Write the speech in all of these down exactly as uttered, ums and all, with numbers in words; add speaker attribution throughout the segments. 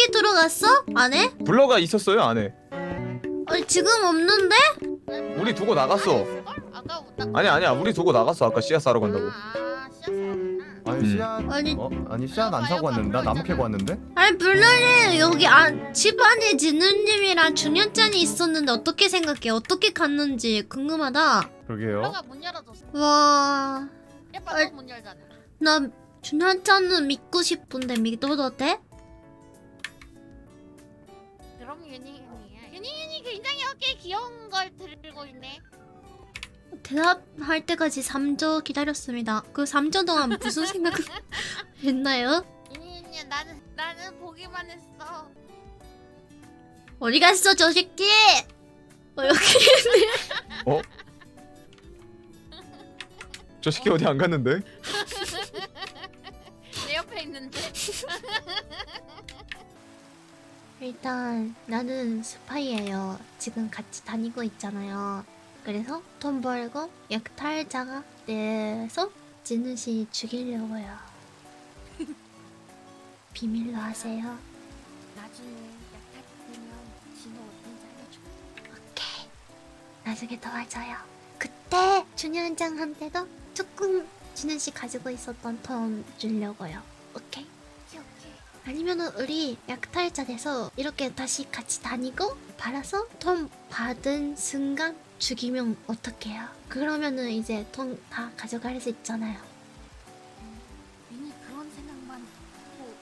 Speaker 1: 블럭이 들어갔어? 안에?
Speaker 2: 블러가 있었어요 안에.
Speaker 1: 아니 지금 없는데?
Speaker 2: 우리 두고 나갔어.
Speaker 3: 아까 딱
Speaker 2: 아니 아니야 우리 두고 나갔어 아까 씨앗 사러 간다고.
Speaker 3: 아, 씨앗 사왔구나.
Speaker 4: 아니
Speaker 2: 음.
Speaker 4: 씨앗
Speaker 1: 아니
Speaker 4: 어? 아니 씨앗 안 사고 왔는데 나 나무 캐고 왔는데?
Speaker 1: 아니 블럭이 여기 안, 집 안에 진우님이랑 준현짠이 있었는데 어떻게 생각해? 어떻게 갔는지 궁금하다.
Speaker 4: 그러게요.
Speaker 3: 블러가 문 열어줬어.
Speaker 1: 와...
Speaker 3: 예뻐,
Speaker 1: 아이.
Speaker 3: 문 열잖아.
Speaker 1: 나 준현짠은 믿고 싶은데 믿어도 돼?
Speaker 3: 그럼 유니윤이야. 유니윤이 굉장히 어깨에 귀여운 걸 들고 있네.
Speaker 1: 대답할 때까지 삼 초 기다렸습니다. 그 삼 초 동안 무슨 생각 했나요?
Speaker 3: 유니윤이야, 나는 나는 보기만 했어.
Speaker 1: 어디 갔어 저 새끼? 어, 여기 있네.
Speaker 2: 어? 저 새끼 어디 안 갔는데?
Speaker 3: 내 옆에 있는데.
Speaker 1: 일단 나는 스파이예요. 지금 같이 다니고 있잖아요. 그래서 돈 벌고 약탈자가 돼서 진우 씨 죽이려고요. 비밀로 하세요.
Speaker 3: 나중에 약탈 되면 진호 어딘지 알려줘.
Speaker 1: 오케이. 나중에 도와줘요. 그때 준현장한테도 조금 진우 씨 가지고 있었던 돈 주려고요. 오케이.
Speaker 3: 오케이 오케이.
Speaker 1: 아니면은 우리 약탈자 돼서 이렇게 다시 같이 다니고 팔아서 돈 받은 순간 죽이면 어떡해요? 그러면은 이제 돈 다 가져갈 수 있잖아요.
Speaker 3: 유니 그런 생각만 하고.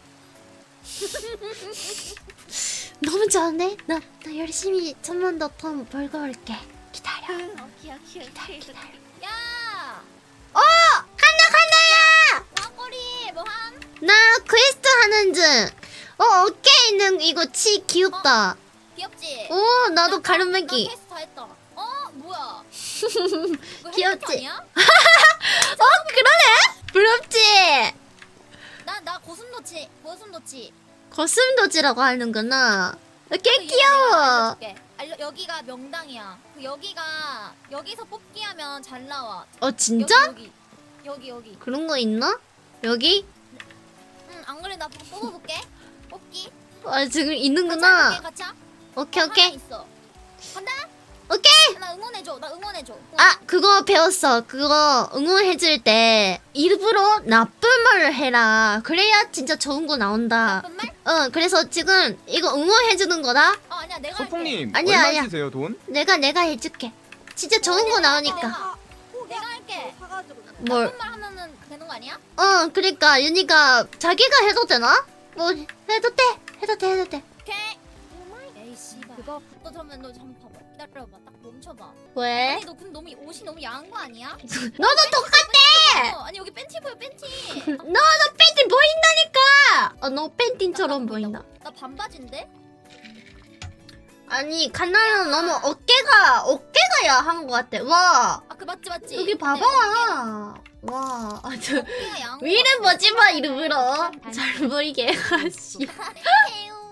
Speaker 1: 너무 좋은데? 나, 나 열심히 좀만 더 돈 벌고 올게. 기다려.
Speaker 3: 오케이 오케이 오케이.
Speaker 1: 기다려.
Speaker 3: 야.
Speaker 1: 어! 간다 간다야!
Speaker 3: 왕꼬리 뭐함?
Speaker 1: 나 퀘스트 하는 중. 어 어깨에 있는 이거 치 귀엽다.
Speaker 3: 귀엽지?
Speaker 1: 오 나도
Speaker 3: 나
Speaker 1: 가르마기.
Speaker 3: 테스트 다 했다. 어 뭐야? 이거
Speaker 1: 귀엽지?
Speaker 3: 헬멧 아니야?
Speaker 1: 어 그러네? 부럽지?
Speaker 3: 나 나 고슴도치 고슴도치.
Speaker 1: 거슴도지라고 하는구나. 어, 꽤
Speaker 3: 그 이름
Speaker 1: 귀여워.
Speaker 3: 내가 알려줄게. 알려, 여기가 명당이야. 그 여기가 여기서 뽑기 하면 잘 나와.
Speaker 1: 어 진짜?
Speaker 3: 여기 여기 여기. 여기.
Speaker 1: 그런 거 있나? 여기?
Speaker 3: 응, 안 그래 나 뽑- 뽑아볼게. 뽑기.
Speaker 1: 아 지금
Speaker 3: 같이
Speaker 1: 있는구나.
Speaker 3: 해볼게, 같이.
Speaker 1: 오케이
Speaker 3: 하나
Speaker 1: 오케이
Speaker 3: 있어. 간다.
Speaker 1: 오케이.
Speaker 3: 나 응원해줘. 나 응원해줘.
Speaker 1: 아 그거 배웠어. 그거 응원해줄 때 일부러 나쁜 말을 해라. 그래야 진짜 좋은 거 나온다.
Speaker 3: 나쁜 말?
Speaker 1: 어 그래서 지금 이거 응원해주는 거다.
Speaker 3: 어 아니야 내가 할게.
Speaker 2: 소풍님
Speaker 1: 아니야,
Speaker 2: 얼마
Speaker 1: 아니야.
Speaker 2: 쓰세요 돈?
Speaker 1: 내가 내가 해줄게. 진짜 좋은 거 나오니까.
Speaker 3: 내가, 내가 할게.
Speaker 1: 뭘?
Speaker 3: 나쁜 말 하면은 되는 거 아니야?
Speaker 1: 어 그러니까 윤희가 자기가 해도 되나? 뭐 해도 돼. 해도 돼 해도 돼.
Speaker 3: 오케이. 에이 씨발. 그거 너 잠깐만 너 잠깐 봐봐. 기다려봐. 딱 멈춰봐.
Speaker 1: 왜?
Speaker 3: 아니 너 근데 너무 옷이 너무 야한 거 아니야?
Speaker 1: 너도 똑같아.
Speaker 3: 어, 아니 여기 팬티 보여 팬티.
Speaker 1: 너도 팬티 보인다니까. 어너 팬티처럼 보인다.
Speaker 3: 나 반바지인데?
Speaker 1: 아니 칸나는 너무 어깨가 어깨가 야한 것 같아. 와
Speaker 3: 아 그 맞지 맞지.
Speaker 1: 여기
Speaker 3: 근데
Speaker 1: 봐봐. 와 아주
Speaker 3: 어깨가 야한 거
Speaker 1: 위를
Speaker 3: 같아.
Speaker 1: 보지 마 일부러 잘 보이게 아씨.
Speaker 3: 태용.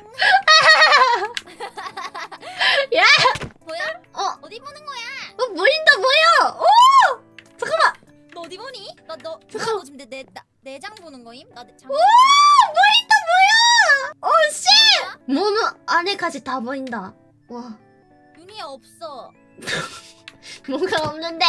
Speaker 1: 야!
Speaker 3: 뭐야?
Speaker 1: 어,
Speaker 3: 어디 보는 거야?
Speaker 1: 어 보인다 보여. 오 잠깐만.
Speaker 3: 너 어디 보니? 나너
Speaker 1: 잠깐.
Speaker 3: 너 지금 내, 내, 나, 내장 보는 거임? 나 장.
Speaker 1: 오 보인다 보여. 오 씨. 몸 안에까지 다 보인다. 와
Speaker 3: 윤희야 없어.
Speaker 1: 뭐가 없는데.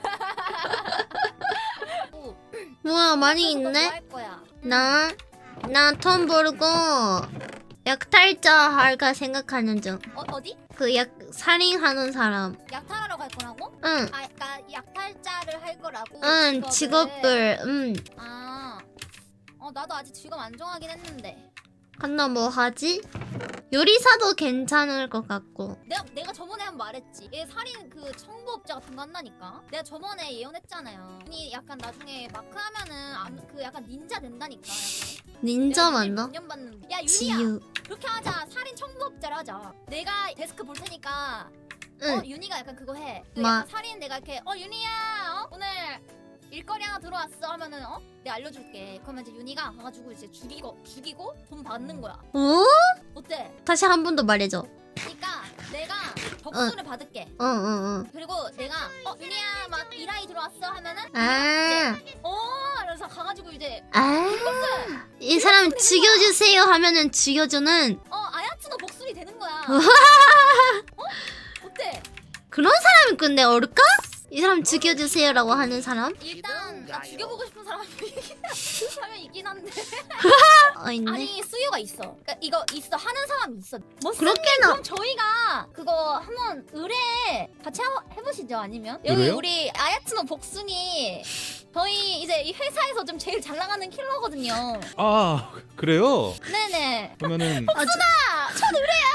Speaker 3: 오,
Speaker 1: 뭐야 많이
Speaker 3: 그래서 너
Speaker 1: 있네.
Speaker 3: 뭐 할 거야?
Speaker 1: 나, 나 돈 벌고 약탈자 할까 생각하는 중.
Speaker 3: 어 어디?
Speaker 1: 그 약 살인하는 사람.
Speaker 3: 약탈하러 갈 거라고?
Speaker 1: 응,
Speaker 3: 아, 그러니까 약탈자를 할 거라고.
Speaker 1: 응,
Speaker 3: 직업을.
Speaker 1: 직업을, 응.
Speaker 3: 아, 어 나도 아직 직업 안 정하긴 했는데.
Speaker 1: 한나 뭐 하지? 요리사도 괜찮을 것 같고.
Speaker 3: 내가 내가 저번에 한 번 말했지. 얘 살인 그 청부업자 같은 거 한다니까. 내가 저번에 예언했잖아요. 이 약간 나중에 마크 하면은 암- 그 약간 닌자 된다니까. 약간.
Speaker 1: 닌자
Speaker 3: 내가
Speaker 1: 맞나?
Speaker 3: 몇 년 봤는데. 야 윤희야.
Speaker 1: 지유.
Speaker 3: 그렇게 하자. 살인 청부업자를 하자. 내가 데스크 볼 테니까.
Speaker 1: 응.
Speaker 3: 어 윤희가 약간 그거 해. 그
Speaker 1: 마-
Speaker 3: 약간 살인 내가 이렇게 어 윤희야 어? 오늘 일거리 하나 들어왔어 하면은 어? 내가 알려줄게. 그러면 이제 윤희가 가가지고 이제 죽이고 죽이고 돈 받는 거야.
Speaker 1: 어?
Speaker 3: 어때?
Speaker 1: 다시 한 번 더 말해줘.
Speaker 3: 그러니까 내가 접수를 받을게.
Speaker 1: 응, 응, 응.
Speaker 3: 그리고 내가 어 윤희야 막 일하이 들어왔어 하면은
Speaker 1: 아,
Speaker 3: 어 이러면서 가가지고 이제
Speaker 1: 아. 이 사람 죽여주세요 하면은 죽여주는
Speaker 3: 어 아야츠노 목소리 되는 거야. 어? 어때?
Speaker 1: 그런 사람이 근데 어울까? 이 사람 죽여주세요라고 하는 사람?
Speaker 3: 일단 나 죽여보고 싶은 사람 하면 있긴 한데.
Speaker 1: 어 있네.
Speaker 3: 아니 수요가 있어. 그러니까 이거 있어 하는 사람이 있어. 뭐
Speaker 1: 그렇게나
Speaker 3: 그럼 저희가 그거 한번 의뢰 같이 하, 해보시죠. 아니면 여기
Speaker 4: 의뢰요?
Speaker 3: 우리 아야츠노 복순이 저희 이제 이 회사에서 좀 제일 잘 나가는 킬러거든요.
Speaker 4: 아 그래요?
Speaker 3: 네네.
Speaker 4: 그러면은
Speaker 1: 아, 첫 의뢰야.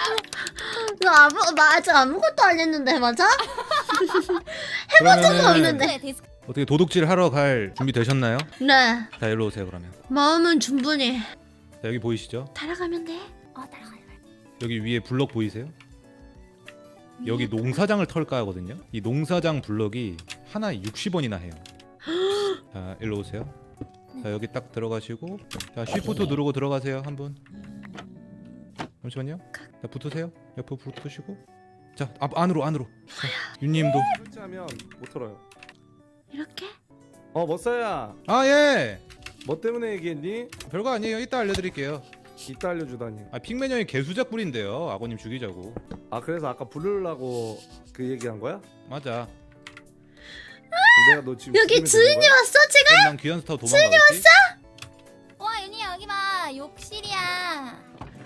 Speaker 1: 너 아무 맞아 아무것도 안 했는데 맞아?
Speaker 4: 그러면은
Speaker 1: 적은 없는데.
Speaker 3: 네, 데스크.
Speaker 4: 어떻게 도둑질 하러 갈 준비 되셨나요?
Speaker 1: 네.
Speaker 4: 자 일로 오세요 그러면.
Speaker 1: 마음은 충분히
Speaker 4: 자 여기 보이시죠?
Speaker 1: 따라가면 돼.
Speaker 3: 어 따라가요.
Speaker 4: 여기 위에 블럭 보이세요? 여기 농사장을 털까 하거든요. 이 농사장 블럭이 하나에 육십 원이나 해요. 자 일로 오세요. 자 여기 딱 들어가시고 자 쉬프트 누르고 들어가세요 한 분. 잠시만요. 자 붙으세요. 옆으로 붙으시고 자 앞, 안으로 안으로. 자, 윤님도.
Speaker 5: 설치하면 못 털어요.
Speaker 1: 이렇게?
Speaker 5: 어 머싸야,
Speaker 4: 아 예.
Speaker 5: 뭐 때문에 얘기했니?
Speaker 4: 별거 아니에요. 이따 알려드릴게요.
Speaker 5: 이따 알려주다니.
Speaker 4: 아 핑맨 형이 개수작 부린대요. 아버님 죽이자고.
Speaker 5: 아 그래서 아까 부르려고 그 얘기한 거야?
Speaker 4: 맞아.
Speaker 5: 내가 너 지금
Speaker 1: 여기
Speaker 5: 죽이면 되는
Speaker 1: 주인이
Speaker 5: 거야?
Speaker 1: 왔어 지금?
Speaker 4: 그럼 난 귀한 스타워 도망가겠지?
Speaker 3: 와 윤희야 여기 봐 욕실이야.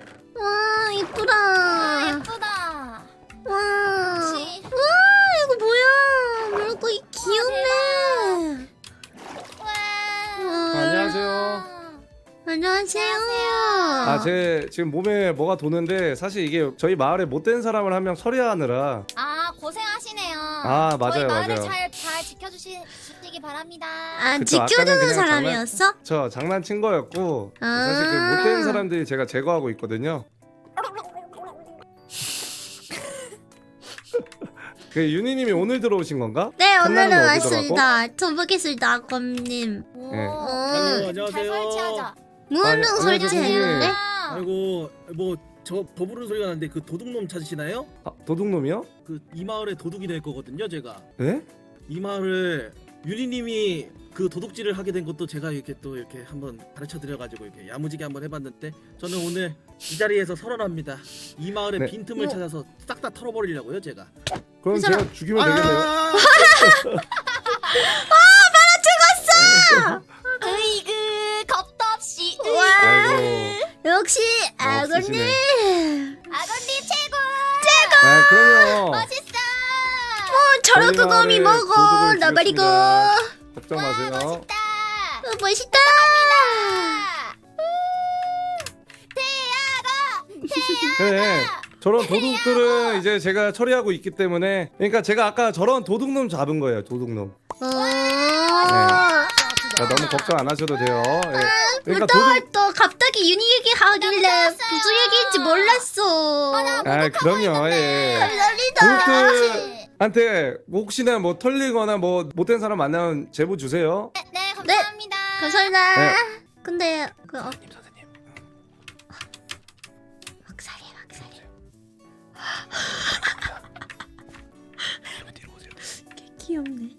Speaker 1: 와 이쁘다.
Speaker 3: 아 예쁘다.
Speaker 1: 와.
Speaker 3: 그치?
Speaker 1: 와 이거 뭐야? 물고기 귀엽네.
Speaker 3: 와.
Speaker 1: 와.
Speaker 5: 안녕하세요.
Speaker 1: 안녕하세요.
Speaker 5: 아 제 지금 몸에 뭐가 도는데 사실 이게 저희 마을에 못된 사람을 한 명 처리하느라.
Speaker 3: 아 고생하시네요.
Speaker 5: 아, 맞아요,
Speaker 3: 저희 마을을
Speaker 5: 맞아요.
Speaker 3: 잘, 잘 지켜주시기 바랍니다.
Speaker 1: 아
Speaker 5: 그쵸, 아까는
Speaker 1: 지켜주는
Speaker 5: 그냥
Speaker 1: 사람이었어?
Speaker 5: 저 장난친 거였고
Speaker 1: 아.
Speaker 5: 사실 그 못된 사람들이 제가 제거하고 있거든요. 그 윤희님이 오늘 들어오신 건가?
Speaker 1: 네 오늘은
Speaker 5: 한나는
Speaker 1: 왔습니다. 전복했습니다 아검님.
Speaker 3: 오,
Speaker 5: 네.
Speaker 3: 오늘
Speaker 6: 아이고,
Speaker 3: 잘
Speaker 6: 안녕하세요.
Speaker 3: 설치하자.
Speaker 1: 무슨
Speaker 5: 아니,
Speaker 1: 설치했는데?
Speaker 3: 아,
Speaker 6: 아이고 뭐 저 버부르는 소리가 나는데 그 도둑놈 찾으시나요?
Speaker 5: 아, 도둑놈이요?
Speaker 6: 그 이 마을에 도둑이 될 거거든요 제가.
Speaker 5: 네?
Speaker 6: 이 마을을 유리님이 그 도둑질을 하게 된 것도 제가 이렇게 또 이렇게 한번 가르쳐 드려가지고 이렇게 야무지게 한번 해봤는데 저는 오늘 이 자리에서 선언합니다. 이 마을의
Speaker 5: 네.
Speaker 6: 빈틈을
Speaker 1: 어.
Speaker 6: 찾아서 싹 다 털어버리려고요 제가.
Speaker 5: 그럼
Speaker 1: 그
Speaker 5: 제가
Speaker 1: 사람-
Speaker 5: 죽이면 되겠네요.
Speaker 6: 아!
Speaker 3: 으이그 겁도 없이
Speaker 1: 와
Speaker 5: 아이고.
Speaker 1: 역시
Speaker 5: 어,
Speaker 1: 아검님.
Speaker 5: 없으시네.
Speaker 3: 아버님 최고.
Speaker 5: 아 그럼요.
Speaker 3: 멋있어.
Speaker 1: 어, 저런
Speaker 5: 저희
Speaker 1: 그거미
Speaker 5: 마을에
Speaker 1: 먹어
Speaker 5: 도둑을
Speaker 1: 나버리고.
Speaker 5: 죽였습니다. 걱정
Speaker 3: 와
Speaker 5: 마세요.
Speaker 3: 멋있다.
Speaker 1: 어, 멋있다.
Speaker 5: 그래. 저런 도둑들은 이제 제가 처리하고 있기 때문에 그러니까 제가 아까 저런 도둑놈 잡은 거예요. 도둑놈.
Speaker 1: 어.
Speaker 5: 그러니까 너무 걱정 안 하셔도 돼요. 예. 그러니까
Speaker 1: 또,
Speaker 5: 도둑
Speaker 1: 또 갑자기 윤희 얘기하길래 무슨 얘기인지 몰랐어.
Speaker 5: 아 그럼요. 예.
Speaker 1: 감사합니다.
Speaker 5: 도둑들한테 혹시나 뭐 털리거나 뭐 못된 사람 만나면 제보 주세요.
Speaker 3: 네, 네 감사합니다.
Speaker 1: 감사합니다.
Speaker 5: 네.
Speaker 1: 근데 그 어,
Speaker 4: 선생님 선생님.
Speaker 1: 막사리 막사리.
Speaker 4: 뒤로 오세요.
Speaker 1: 개 귀엽네.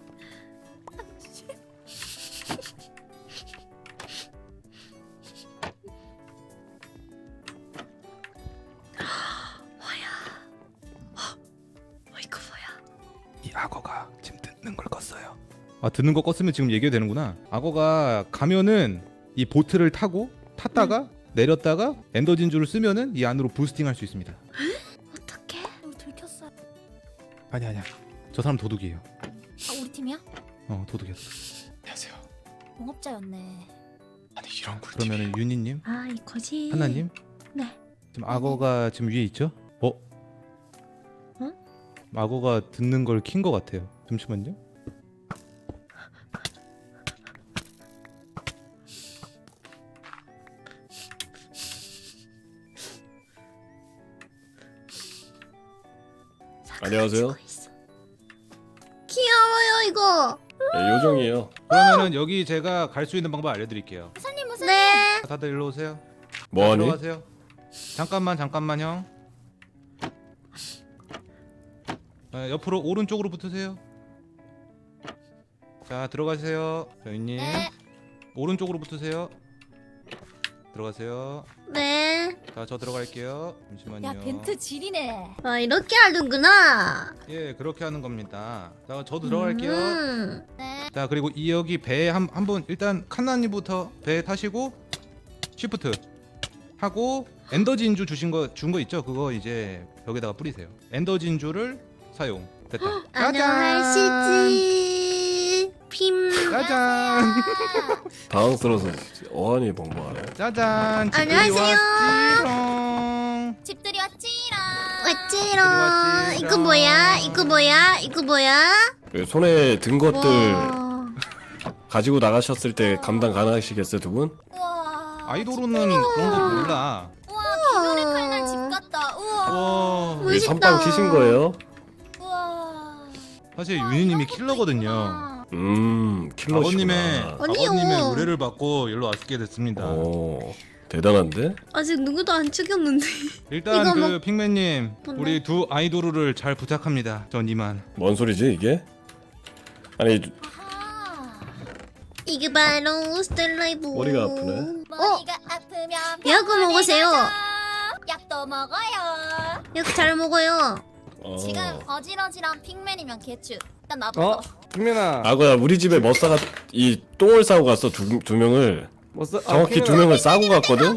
Speaker 4: 이 악어가 지금 듣는 걸 껐어요. 아 듣는 거 껐으면 지금 얘기가 되는구나. 악어가 가면은 이 보트를 타고 탔다가 내렸다가 엔더 진주를 쓰면은 이 안으로 부스팅할 수 있습니다.
Speaker 1: 어떡해?
Speaker 3: 우리 들켰어요.
Speaker 4: 아니 아니야. 저 사람 도둑이에요.
Speaker 3: 아 우리 팀이야?
Speaker 4: 어 도둑이었어. 안녕하세요.
Speaker 3: 동업자였네.
Speaker 4: 아니 이런 꿀. 그러면은 윤희님,
Speaker 1: 아 이거지.
Speaker 4: 하나님.
Speaker 1: 네.
Speaker 4: 지금 악어가 지금 위에 있죠? 어?
Speaker 1: 응?
Speaker 4: 악어가 듣는 걸 킨 것 같아요. 잠시만요.
Speaker 7: 안녕하세요.
Speaker 1: 귀여워요 이거.
Speaker 7: 네, 요정이에요.
Speaker 4: 그러면은 여기 제가 갈 수 있는 방법 알려드릴게요.
Speaker 3: 무사님 무사님.
Speaker 1: 네.
Speaker 4: 다들 일로 오세요.
Speaker 7: 뭐하니?
Speaker 4: 들어가세요. 잠깐만 잠깐만 형. 아, 옆으로 오른쪽으로 붙으세요. 자 들어가세요. 저희님
Speaker 3: 네.
Speaker 4: 오른쪽으로 붙으세요. 들어가세요.
Speaker 1: 네.
Speaker 4: 자, 저 들어갈게요. 잠시만요.
Speaker 3: 야 벤트 지리네.
Speaker 1: 아 이렇게 하는구나.
Speaker 4: 예, 그렇게 하는 겁니다. 자, 저 들어갈게요.
Speaker 1: 음.
Speaker 3: 네.
Speaker 4: 자, 그리고 이 여기 배에 한 한 분 일단 칸나님부터 배에 타시고 쉬프트 하고 엔더 진주 주신 거 준 거 있죠? 그거 이제 벽에다가 뿌리세요. 엔더 진주를 사용. 됐다.
Speaker 1: 안녕하시지. 핌.
Speaker 4: 짜잔.
Speaker 7: 당황스러워서 어안이 벙벙하네.
Speaker 4: 짜잔. 집들이
Speaker 1: 안녕하세요.
Speaker 4: 왔지롱.
Speaker 3: 집들이 왔지라.
Speaker 1: 왔지롱.
Speaker 4: 왔지롱.
Speaker 1: 이거 뭐야? 이거 뭐야? 이거 뭐야?
Speaker 7: 그 손에 든 것들
Speaker 1: 와.
Speaker 7: 가지고 나가셨을 때 감당 가능하시겠어요 두 분?
Speaker 3: 우와.
Speaker 4: 아이돌은 그런 거 몰라.
Speaker 3: 우와 기존의 칼날 집 같다. 우와.
Speaker 4: 와.
Speaker 7: 왜
Speaker 1: 멋있다.
Speaker 7: 선빵 치신 거예요?
Speaker 3: 우와.
Speaker 4: 사실
Speaker 3: 우와,
Speaker 4: 윤희님이
Speaker 3: 이런 것도
Speaker 4: 킬러거든요.
Speaker 3: 있구나.
Speaker 7: 음 킬러시구나.
Speaker 4: 아버님의
Speaker 1: 아니요.
Speaker 4: 아버님의 의뢰를 받고 일로 왔게 됐습니다.
Speaker 7: 오 대단한데?
Speaker 1: 아직 누구도 안 죽였는데.
Speaker 4: 일단
Speaker 1: 이거
Speaker 4: 그
Speaker 1: 뭐-
Speaker 4: 핑맨님
Speaker 1: 뭔데?
Speaker 4: 우리 두 아이돌을 잘 부탁합니다. 전 이만.
Speaker 7: 뭔 소리지 이게? 아니
Speaker 3: 아하.
Speaker 1: 이게 바로 스텔라이브.
Speaker 7: 머리가 아프네.
Speaker 3: 머리가 아프면
Speaker 1: 약을
Speaker 3: 병원에
Speaker 1: 먹으세요.
Speaker 3: 가자. 약도 먹어요.
Speaker 1: 이렇게 잘 먹어요.
Speaker 7: 어.
Speaker 3: 지금 어지러지랑 핑맨이면 개추. 일단 나부터.
Speaker 5: 어? 핑맨아.
Speaker 7: 아고야 우리 집에 머싸가 이 똥을 싸고 갔어 두, 두 명을
Speaker 5: 뭐 싸?
Speaker 7: 정확히 두 명을 싸고 갔거든?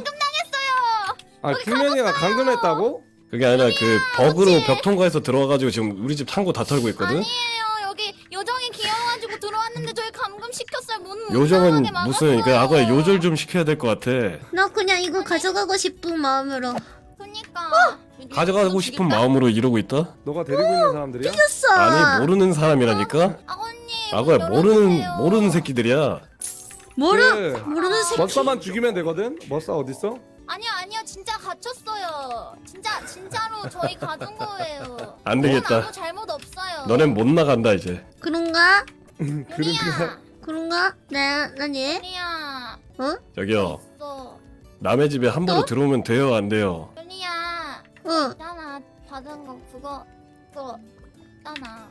Speaker 5: 아 핑맨이가 감금했다고?
Speaker 7: 그게 아니라 그 버그로 벽 통과해서 들어와가지고 지금 우리 집 창고 다 털고 있거든?
Speaker 3: 아니에요. 여기 요정이 귀여워가지고 들어왔는데 저희 감금 시켰어요. 문
Speaker 7: 요정은
Speaker 3: 이상하게
Speaker 7: 무슨 그
Speaker 3: 막았어요.
Speaker 7: 아고야 요절 좀 시켜야 될 것 같아.
Speaker 1: 나 그냥 이거 가져가고 싶은 마음으로.
Speaker 3: 그니까.
Speaker 7: 가져가고 싶은 마음으로 이러고 있다?
Speaker 5: 너가 데리고 있는 사람들이야?
Speaker 1: 했어.
Speaker 7: 아니 모르는 사람이라니까?
Speaker 3: 아버님.
Speaker 7: 아고야
Speaker 3: 문
Speaker 7: 모르는
Speaker 3: 열어주세요.
Speaker 7: 모르는 새끼들이야.
Speaker 1: 모르
Speaker 5: 그
Speaker 1: 모르는 새끼.
Speaker 5: 머싸만 죽이면 되거든? 머싸 어딨어?
Speaker 3: 아니요 아니요 진짜 갇혔어요. 진짜 진짜로 저희 가둔 거예요.
Speaker 7: 안
Speaker 3: 저는
Speaker 7: 되겠다.
Speaker 3: 아무 잘못 없어요.
Speaker 7: 너넨 못 나간다 이제.
Speaker 1: 그런가?
Speaker 5: 그러니까
Speaker 3: 윤희야.
Speaker 1: 그런가? 네, 나니?
Speaker 3: 윤희야.
Speaker 7: 저기요
Speaker 3: 있어.
Speaker 7: 남의 집에 함부로
Speaker 1: 어?
Speaker 7: 들어오면 돼요 안 돼요?
Speaker 3: 윤희야.
Speaker 1: 응.
Speaker 3: 있잖아 받은 거 그거 그거 있잖아.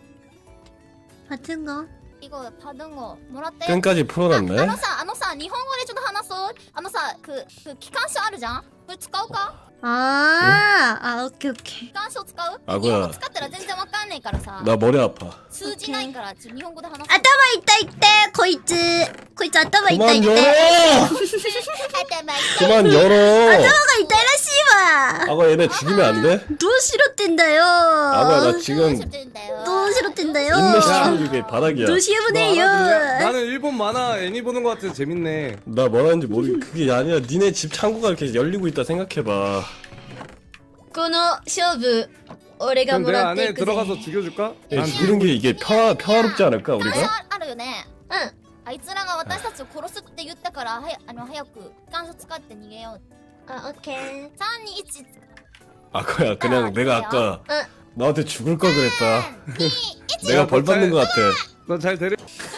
Speaker 1: 같은 거.
Speaker 3: 이거 받은 거 뭐라떼?
Speaker 7: 끈까지 풀어놨네.
Speaker 3: あのさ、あのさ、日本語でちょっと話そう。あのさ、く、く、機関書あるじゃんこれ使うか
Speaker 1: 아, 아, 오케이, 오케이.
Speaker 3: 機関書使う
Speaker 7: あ
Speaker 3: 日本語
Speaker 7: これ
Speaker 3: 使ったら全然わかんないからさ。
Speaker 7: 나 머리 아파.
Speaker 3: 通じないから、ちょ日本語で話そう。
Speaker 1: 아따마 있다 있대, 거이츠. 거이츠 아따마 있다
Speaker 7: 그만
Speaker 1: 있대.
Speaker 7: 열어!
Speaker 3: 頭痛い
Speaker 7: 그만 열어!
Speaker 1: 아따마가 있다 이라시마.
Speaker 7: 아고 얘네 죽이면 안 돼?
Speaker 1: 너 싫었댄다요.
Speaker 7: 아고야 나 지금
Speaker 1: 너 싫었댄다요.
Speaker 7: 인내 시키는 게 바닥이야.
Speaker 1: 너
Speaker 5: 너
Speaker 1: 시해보네요.
Speaker 5: 알아듣냐? 나는 일본 만화 애니 보는 거 같아서 재밌네.
Speaker 7: 나 뭐라는지 모르. 그게 아니라 니네 집 창고가 이렇게 열리고 있다 생각해봐.
Speaker 1: この勝負俺が
Speaker 5: 그럼
Speaker 1: も
Speaker 5: 내가
Speaker 1: らって
Speaker 5: 안에
Speaker 1: いくぜ
Speaker 5: 들어가서 죽여줄까?
Speaker 7: 예,
Speaker 5: 난
Speaker 7: 죽이는 게 이게 평화 평화롭지 않을까
Speaker 3: 機関書
Speaker 7: 우리가?
Speaker 3: あるよね。
Speaker 1: うん
Speaker 3: あいつらが私たちを殺すって言ったから、はや、あの、早く機関書使って逃げよう。
Speaker 1: あオッケー
Speaker 3: さん、に、いち、
Speaker 7: 아고야 그냥
Speaker 3: 아,
Speaker 7: 내가
Speaker 3: 그래요?
Speaker 7: 아까
Speaker 1: 응.
Speaker 7: 너한테 죽을 걸 그랬다.
Speaker 3: に、いち。
Speaker 7: 내가 벌 받는 것 같아.
Speaker 5: 너 잘 데려.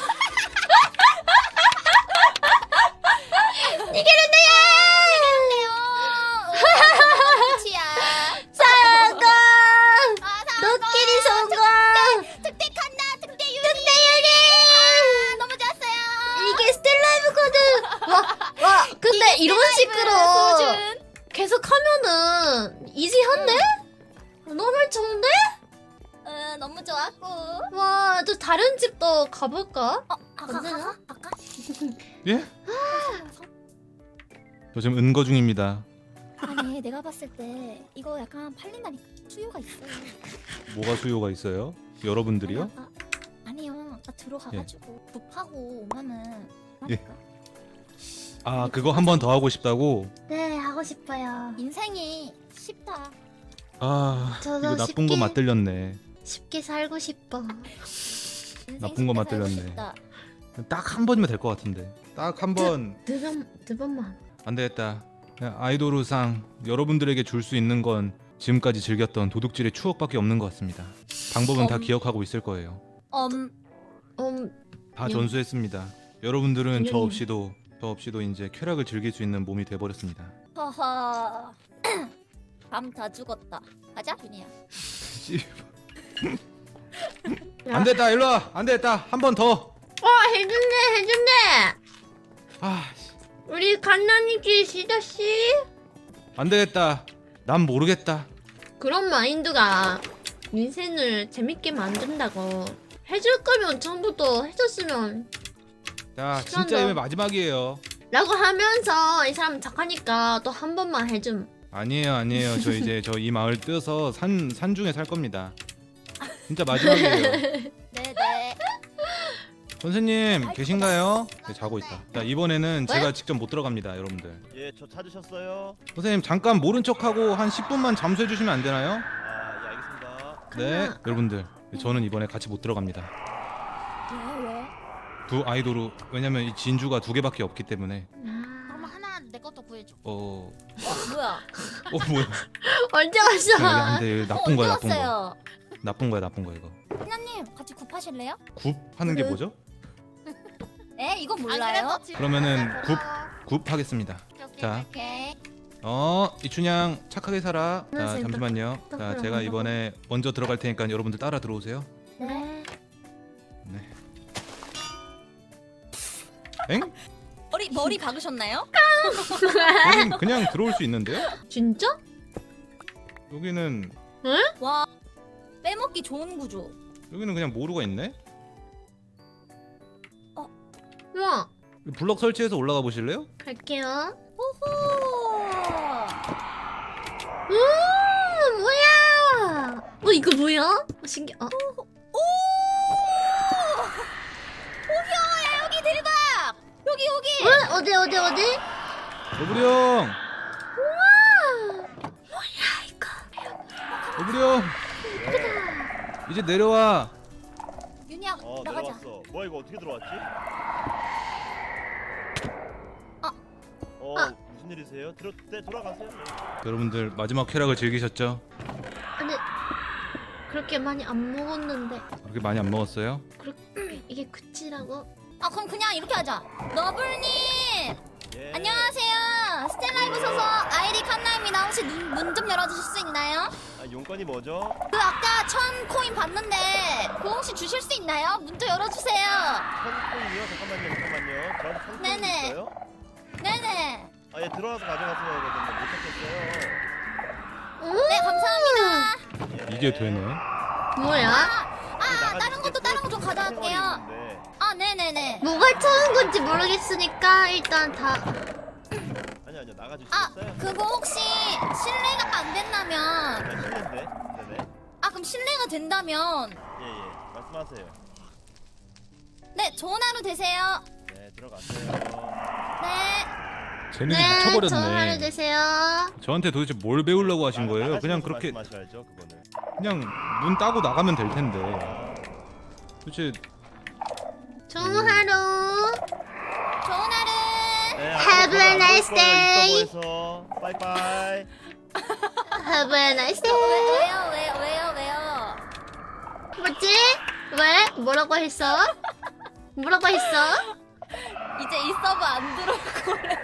Speaker 1: 성공
Speaker 3: 아,
Speaker 1: 도끼리 성공
Speaker 3: 특대 간다, 특대 유리. 특대 유리. 아, 너무 좋았어요.
Speaker 1: 이게 스텔라이브거든 와, 와 근데 이런 식으로
Speaker 3: 소준.
Speaker 1: 계속 하면은 이지한데? 너무 좋은데?
Speaker 3: 어, 너무 좋았고.
Speaker 1: 와, 또 다른 집도 가볼까?
Speaker 3: 어, 아까 아까 아까.
Speaker 4: 예? 저 지금 은거 중입니다.
Speaker 3: 아니, 내가 봤을 때 이거 약간 팔린다니까 수요가 있어요.
Speaker 4: 뭐가 수요가 있어요? 여러분들이요?
Speaker 3: 아, 아, 아니요. 나 들어가가지고 굽하고 오면은.
Speaker 4: 예.
Speaker 3: 그러니까.
Speaker 4: 아 그거 한 번 더 하고 싶다고?
Speaker 1: 네, 하고 싶어요.
Speaker 3: 인생이 쉽다.
Speaker 4: 아
Speaker 1: 저도
Speaker 4: 이거 나쁜 거
Speaker 1: 쉽게-
Speaker 4: 맞들렸네.
Speaker 1: 쉽게 살고 싶어.
Speaker 3: 인생
Speaker 4: 나쁜 거
Speaker 3: 쉽게
Speaker 4: 맞들렸네.
Speaker 3: 살고 싶다.
Speaker 4: 딱 한 번이면 될 것 같은데. 딱 한 번.
Speaker 1: 두 번, 두 번만.
Speaker 4: 안 되겠다. 그냥 아이돌우상 여러분들에게 줄 수 있는 건 지금까지 즐겼던 도둑질의 추억밖에 없는 것 같습니다. 방법은 다
Speaker 3: 음.
Speaker 4: 기억하고 있을 거예요.
Speaker 3: 음,
Speaker 1: 음,
Speaker 4: 다
Speaker 1: 음.
Speaker 4: 전수했습니다. 여러분들은 저
Speaker 1: 음.
Speaker 4: 없이도 저 없이도 이제 쾌락을 즐길 수 있는 몸이 돼버렸습니다.
Speaker 3: 허허. 밤 다 죽었다. 가자, 준이야.
Speaker 4: 안 됐다 일로 와. 안 됐다 한 번 더.
Speaker 1: 어, 해준대, 해준대.
Speaker 4: 아
Speaker 1: 우리 갓난이지 시저씨.
Speaker 4: 안 되겠다. 난 모르겠다.
Speaker 1: 그런 마인드가 인생을 재밌게 만든다고. 해줄 거면 처음부터 해줬으면
Speaker 4: 자,
Speaker 1: 시간도-
Speaker 4: 진짜 이번 마지막이에요.
Speaker 1: 라고 하면서 이 사람 착하니까 또 한 번만 해줌.
Speaker 4: 아니에요, 아니에요. 저 이제 저 이 마을 뛰어서 산 산중에 살 겁니다. 진짜 마지막이에요.
Speaker 3: 네네.
Speaker 4: 선생님 계신가요? 네, 자고 있다. 자, 이번에는 제가 직접 못 들어갑니다, 여러분들.
Speaker 8: 예, 저 찾으셨어요?
Speaker 4: 선생님 잠깐 모른 척하고 한 십 분만 잠수해 주시면 안 되나요?
Speaker 8: 아, 예, 알겠습니다.
Speaker 4: 네,
Speaker 1: 가나.
Speaker 4: 여러분들 저는 이번에 같이 못 들어갑니다.
Speaker 3: 왜 왜?
Speaker 4: 두 아이돌로 왜냐면 이 진주가 두 개밖에 없기 때문에
Speaker 1: 아,
Speaker 3: 그럼 하나 내 것도 구해줘.
Speaker 4: 어,
Speaker 3: 어, 뭐야?
Speaker 4: 어 뭐야?
Speaker 1: 언제
Speaker 4: 여기
Speaker 1: 왔어?
Speaker 4: 안돼 나쁜 거야, 나쁜 거.
Speaker 3: 어,
Speaker 4: 나쁜 거야, 나쁜 거 이거.
Speaker 3: 하나님 같이 굽하실래요?
Speaker 4: 굽 하는 게 뭐죠?
Speaker 3: 에 이거 몰라요?
Speaker 4: 그러면은 굽 굽 하겠습니다. 자.
Speaker 3: 오케이.
Speaker 4: 어, 이춘향 착하게 살아. 자,
Speaker 1: 선생님,
Speaker 4: 잠시만요.
Speaker 1: 또- 또
Speaker 4: 자, 제가
Speaker 1: 그러면
Speaker 4: 이번에 먼저 들어갈 테니까 여러분들 따라 들어오세요.
Speaker 1: 네.
Speaker 4: 네. 엥?
Speaker 3: 머리 머리 박으셨나요?
Speaker 4: 여긴 그냥 들어올 수 있는데요?
Speaker 1: 진짜?
Speaker 4: 여기는
Speaker 3: 와 빼먹기 좋은 구조.
Speaker 4: 여기는 그냥 모루가 있네.
Speaker 1: 우와,
Speaker 4: 블럭 설치해서 올라가 보실래요?
Speaker 1: 갈게요.
Speaker 3: 호호.
Speaker 1: 음, 뭐야? 어, 이거 뭐야? 어, 신기. 어,
Speaker 3: 오야 여기 대박. 여기 여기.
Speaker 1: 어? 어디 어디 어디?
Speaker 4: 여부리 형.
Speaker 1: 뭐야 이거?
Speaker 4: 여부리 형. 이제 내려와.
Speaker 3: 윤희야
Speaker 8: 어,
Speaker 3: 나가자.
Speaker 8: 내려왔어. 뭐야 이거 어떻게 들어왔지?
Speaker 3: 아.
Speaker 8: 어,
Speaker 1: 아.
Speaker 8: 무슨 일이세요? 들어, 네, 돌아가세요.
Speaker 4: 여러분들 마지막 쾌락을 즐기셨죠?
Speaker 1: 근데 그렇게 많이 안 먹었는데
Speaker 4: 그렇게 많이 안 먹었어요?
Speaker 1: 그렇게 이게 그치라고?
Speaker 3: 아 그럼 그냥 이렇게 하자. 너블님
Speaker 8: 예.
Speaker 3: 안녕하세요. 스텔라이브 소속 아이디 칸나입니다. 혹시 문 좀 열어주실 수 있나요?
Speaker 8: 아, 용건이 뭐죠?
Speaker 3: 그 아까 천 코인 받는데 그거 혹시 주실 수 있나요? 문 좀 열어주세요.
Speaker 8: 천콩이요? 잠깐만요, 잠깐만요. 저한테 천콩이
Speaker 3: 네네.
Speaker 8: 있어요?
Speaker 3: 네네.
Speaker 8: 아, 예, 들어와서 가져가세요. 되거든요. 못 찾겠어요.
Speaker 3: 네 감사합니다.
Speaker 8: 예.
Speaker 4: 이게 되네.
Speaker 1: 뭐야?
Speaker 3: 아 다른 것도 다른 거 좀 가져갈게요.
Speaker 8: 네.
Speaker 3: 아 네네네.
Speaker 1: 뭐가 처음 건지 모르겠으니까 일단 다.
Speaker 8: 아니요, 아니요.
Speaker 3: 아
Speaker 8: 나가주시겠어요?
Speaker 3: 그거 혹시 실례가 안 된다면
Speaker 8: 아, 실례인데. 네네.
Speaker 3: 아 그럼 실례가 된다면
Speaker 8: 예, 예. 말씀하세요.
Speaker 3: 네 좋은 하루 되세요.
Speaker 8: 네, 들어가세요.
Speaker 3: 네.
Speaker 4: 재능이
Speaker 1: 네, 좋은 하루
Speaker 4: 미쳐버렸네.
Speaker 1: 되세요.
Speaker 4: 저한테 도대체 뭘 배우려고 하신
Speaker 8: 나가-
Speaker 4: 거예요? 그냥
Speaker 8: 나가시면서
Speaker 4: 그렇게
Speaker 8: 말씀하셔야죠, 그거는.
Speaker 4: 그냥 문 따고 나가면 될 텐데. 도대체
Speaker 1: 좋은 하루.
Speaker 3: 좋은 하루.
Speaker 8: 네,
Speaker 1: Have a nice day.
Speaker 8: 있어 빠이빠이.
Speaker 1: Have a nice
Speaker 3: 왜,
Speaker 1: day.
Speaker 3: 왜요 왜요 왜요 왜요?
Speaker 1: 뭐지? 왜? 뭐라고 했어? 뭐라고 했어?
Speaker 3: 이제 이 서버 안 들어올 거래.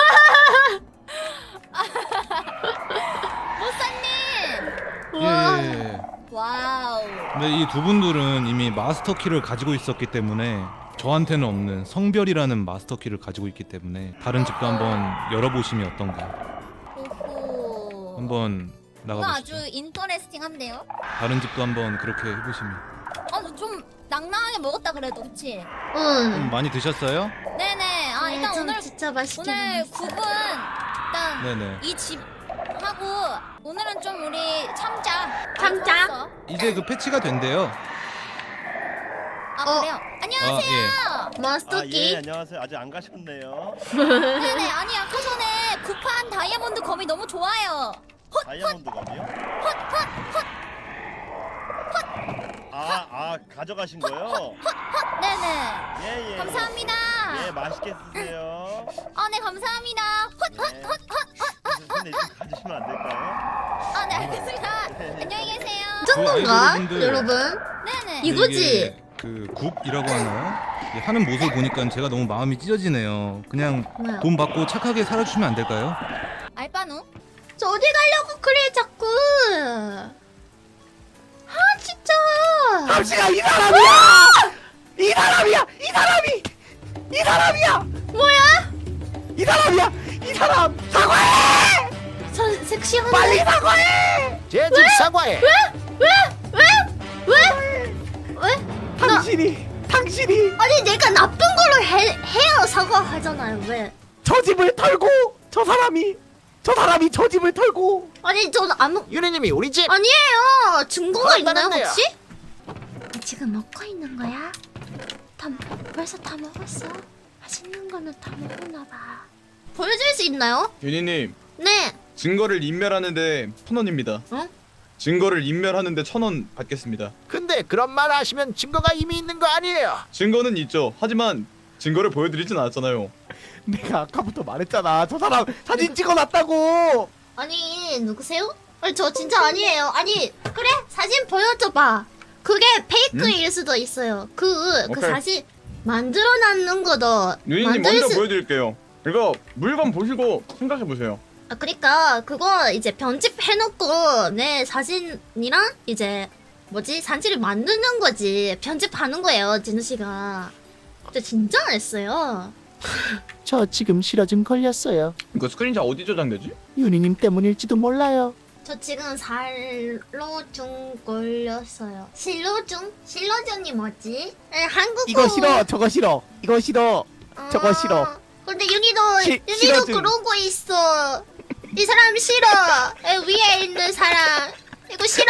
Speaker 3: 모사님.
Speaker 1: 우와.
Speaker 4: 예, 예, 예.
Speaker 3: 와우.
Speaker 4: 근데 이 두 분들은 이미 마스터 키를 가지고 있었기 때문에 저한테는 없는 성별이라는 마스터 키를 가지고 있기 때문에 다른 집도 한번 열어보시면 어떤가.
Speaker 3: 오호.
Speaker 4: 한번
Speaker 3: 이거
Speaker 4: 나가보시죠.
Speaker 3: 아주 인터레스팅한데요?
Speaker 4: 다른 집도 한번 그렇게 해보시면.
Speaker 3: 아좀 낭낭하게 먹었다 그래도 그치?
Speaker 4: 좀
Speaker 1: 응.
Speaker 4: 많이 드셨어요?
Speaker 3: 네네. 아 일단
Speaker 1: 좀
Speaker 3: 오늘
Speaker 1: 진짜 맛있게
Speaker 3: 오늘
Speaker 1: 먹었어.
Speaker 3: 국은 일단
Speaker 4: 네네.
Speaker 3: 이 집 하고 오늘은 좀 우리 참자.
Speaker 1: 참자?
Speaker 3: 많이 먹었어.
Speaker 4: 이제 그 패치가 된대요.
Speaker 3: 아
Speaker 1: 어.
Speaker 3: 그래요? 안녕하세요.
Speaker 4: 아, 예.
Speaker 1: 마스터키.
Speaker 8: 아, 예, 안녕하세요. 아직 안 가셨네요.
Speaker 3: 네네. 아니 아까 전에 구판 다이아몬드 검이 너무 좋아요.
Speaker 8: 다이아몬드 검이요? 아, 아, 가져가신 거요?
Speaker 3: 네네.
Speaker 8: 예, 예.
Speaker 3: 감사합니다.
Speaker 8: 예, 맛있게 쓰세요.
Speaker 3: 아 네 감사합니다.
Speaker 8: 네. 근데 좀 가주시면 안 될까요?
Speaker 3: 아 네 알겠습니다. 안녕히 계세요.
Speaker 1: 정도인가?
Speaker 4: 아이돌분들.
Speaker 1: 여러분?
Speaker 3: 네네.
Speaker 1: 이거- 이거지?
Speaker 4: 이게 그 굽이라고 하나요? 이게 하는 모습 보니까 제가 너무 마음이 찢어지네요. 그냥
Speaker 1: 뭐야?
Speaker 4: 돈 받고 착하게 살아주시면 안 될까요?
Speaker 3: 알바누?
Speaker 1: 저 어디 가려고 그래 자꾸. 아 진짜.
Speaker 6: 당신아 이 사람이야! 이 사람이야! 이 사람이! 이 사람이야!
Speaker 1: 뭐야?
Speaker 9: 이 사람이야. 이 사람 사과해.
Speaker 1: 저 섹시한데.
Speaker 9: 빨리 사과해.
Speaker 10: 제집 사과해.
Speaker 1: 왜?
Speaker 9: 당신이 당신이
Speaker 1: 아니 내가 나쁜 걸로 해, 해야 사과하잖아요. 왜?
Speaker 9: 저 집을 털고 저 사람이 저 사람이 저 집을 털고
Speaker 1: 아니 저는 아무
Speaker 10: 유리님이 우리 집
Speaker 1: 아니에요. 증거가 있나요
Speaker 10: 그렇다는데요.
Speaker 1: 혹시? 지금 먹고 있는 거야? 다 벌써 다 먹었어. 맛있는 거는 다 먹었나 봐. 보여줄 수 있나요?
Speaker 2: 윤희님
Speaker 1: 네.
Speaker 2: 증거를 인멸하는데 천 원입니다.
Speaker 1: 어?
Speaker 2: 증거를 인멸하는데 천 원 받겠습니다.
Speaker 10: 근데 그런 말 하시면 증거가 이미 있는 거 아니에요?
Speaker 2: 증거는 있죠. 하지만 증거를 보여드리진 않았잖아요.
Speaker 9: 내가 아까부터 말했잖아. 저 사람 사진 찍어놨다고.
Speaker 1: 아니 누구세요? 아니 저 진짜 아니에요. 아니 그래 사진 보여줘봐. 그게 페이크일 수도 있어요. 그 그
Speaker 2: 오케이.
Speaker 1: 사진 만들어놨는 거도
Speaker 2: 윤희님
Speaker 1: 만들
Speaker 2: 먼저
Speaker 1: 수-
Speaker 2: 보여드릴게요. 이거 물건 보시고 생각해 보세요.
Speaker 1: 아 그러니까 그거 이제 편집해놓고 내 사진이랑 이제 뭐지 산지를 만드는 거지. 편집하는 거예요 진우 씨가. 근데 진짜 안 했어요.
Speaker 9: 저 지금 실어증 걸렸어요.
Speaker 2: 이거 스크린샷 어디 저장되지?
Speaker 9: 윤희님 때문일지도 몰라요.
Speaker 1: 저 지금 살로중 걸렸어요. 실로중? 실로중이 뭐지? 에, 한국어.
Speaker 9: 이거 싫어. 저거 싫어. 이거 싫어. 저거 싫어.
Speaker 1: 아, 근데 윤희도
Speaker 9: 시-
Speaker 1: 윤희도
Speaker 9: 싫어증.
Speaker 1: 그러고 있어. 이 사람 싫어. 에, 위에 있는 사람 이거 싫어.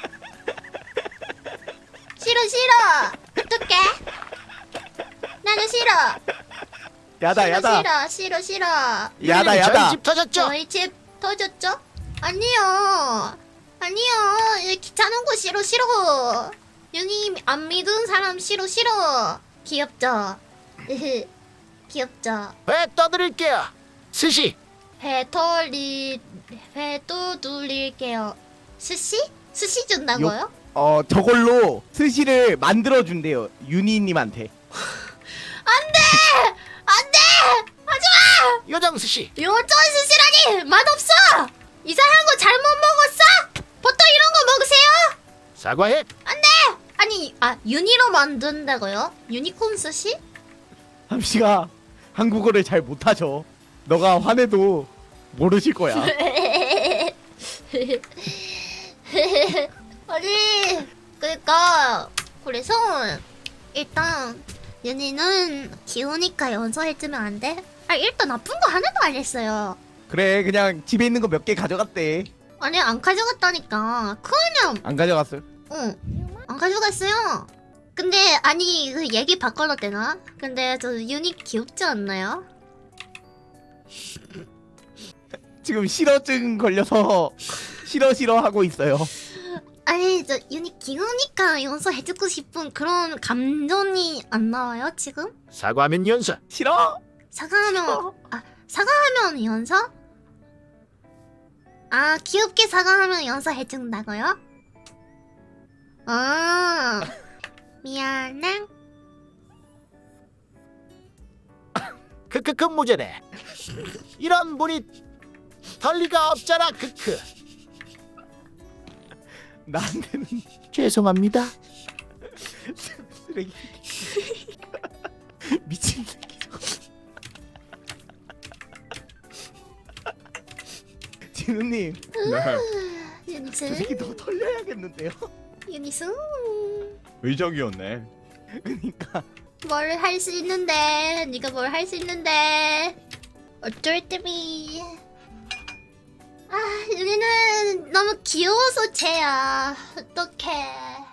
Speaker 1: 싫어 싫어. 어떡해? 나도 싫어.
Speaker 9: 야다
Speaker 1: 싫어
Speaker 9: 야다.
Speaker 1: 싫어 싫어 싫어.
Speaker 9: 야다
Speaker 10: 유리님
Speaker 9: 야다.
Speaker 10: 저희 집 터졌죠?
Speaker 1: 저희 집 터졌죠? 아니요. 아니요. 이 귀찮은 거 싫어 싫어. 윤희 안 믿은 사람 싫어 싫어. 귀엽죠? 귀엽죠?
Speaker 10: 회 떠드릴게요. 스시.
Speaker 1: 회 돌리 회도 돌릴게요. 스시? 스시 준다고요?
Speaker 9: 어 저걸로 스시를 만들어 준대요. 윤희님한테.
Speaker 1: 안돼! 안돼! 하지마!
Speaker 10: 요정 스시.
Speaker 1: 요전 스시라니 맛없어! 이상한 거 잘못 먹었어? 보통 이런 거 먹으세요?
Speaker 10: 사과해.
Speaker 1: 안돼! 아니 아 유니로 만든다고요? 유니콘 스시?
Speaker 9: 함씨가 한국어를 잘 못하죠. 너가 화내도 모르실 거야.
Speaker 1: 아니 그러니까 그래서 일단 윤희는 귀여우니까 연서해주면 안 돼? 아 일단 나쁜 거 하나도 안 했어요.
Speaker 9: 그래 그냥 집에 있는 거 몇 개 가져갔대.
Speaker 1: 아니 안 가져갔다니까. 그냥
Speaker 9: 안 가져갔어요?
Speaker 1: 응안 가져갔어요. 근데 아니 그 얘기 바꿔도 되나? 근데 저 윤희 귀엽지 않나요?
Speaker 9: 지금 실어증 걸려서 싫어 싫어 하고 있어요.
Speaker 1: 아니 저 윤희 귀여우니까 연서해주고 싶은 그런 감정이 안 나와요 지금?
Speaker 10: 사과하면 연서.
Speaker 9: 싫어?
Speaker 1: 사과하면 아 사과하면 연서? 아 귀엽게 사과하면 연서 해준다고요? 아 미안해.
Speaker 10: 크크크 무죄네. 이런 분이 덜 리가 없잖아. 크크.
Speaker 9: 나한테는 죄송합니다. 쓰레기. 미친 새끼 저거. 진우님,
Speaker 2: 네.
Speaker 9: 저
Speaker 1: 유니스
Speaker 9: 새끼 너 털려야겠는데요?
Speaker 1: 유니스
Speaker 2: 의적이었네.
Speaker 9: 그러니까
Speaker 1: 뭘 할 수 있는데 네가 뭘 할 수 있는데 어쩔 때미. 아 윤희는 너무 귀여워서 쟤야. 어떡해.